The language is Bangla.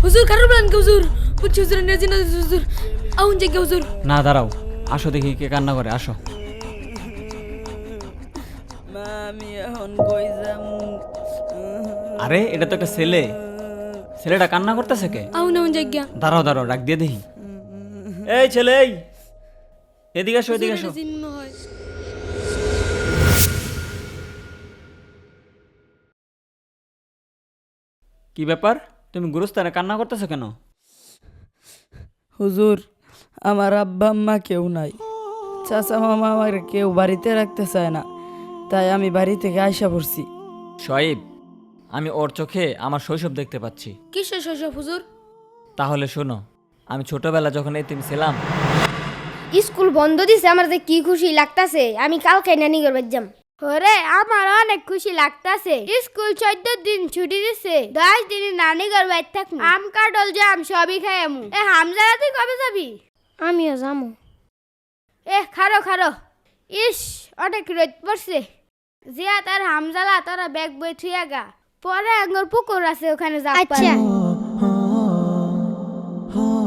হুজুর কারো বলেন কে হুজুর বুঝছি হুজুর নেজি না হুজুর আউন জায়গা হুজুর না দাঁড়াও, আসো দেখি কে কান্না করে, আসো। আমি এখন কই যামু? আরে এটা তো একটা ছেলে, ছেলেটা কান্না করতেছে কে? আউন আউন জায়গা দাঁড়াও দাঁড়াও, ডাক দিয়ে দেখি। এই ছেলে, এই এদিকে আসো, এদিকে আসো। জিন মনে হয় কি ব্যাপার, তুমি গুরুস্থানে কান্না করতেছো কেন? হুজুর, আমার আব্বা আম্মা কেউ নাই, চাচা মামা আমার কেউ বাড়িতে রাখতে চায় না, তাই আমি বাড়ি থেকে আইসা পড়ছি। শোয়েব, আমি ওর চোখে আমার শৈশব দেখতে পাচ্ছি। কিসের শৈশব হুজুর? তাহলে শোনো, আমি ছোটবেলা যখন এতিম ছিলাম, স্কুল বন্ধ দিছে, আমার যে কি খুশি লাগতাছে। আমি কালকে নানি ঘর যাম। ওরে আমার অনেক খুশি লাগতাছে। স্কুল 14 দিন ছুটি দিছে, 10 দিন নানি ঘর বাইর থাকমু। আম কাটল জাম সবই খাই আমু। এ হামজারা তুই কবে যাবি? আমিও যামু। খারো খারো। ইস অনেক রোদ পড়ছে। জিয়া তার হামজালা তোরা ব্যাগ বই থুইয়া গা, পরে আঙ্গুর পুকুর আছে ওখানে যা। আচ্ছা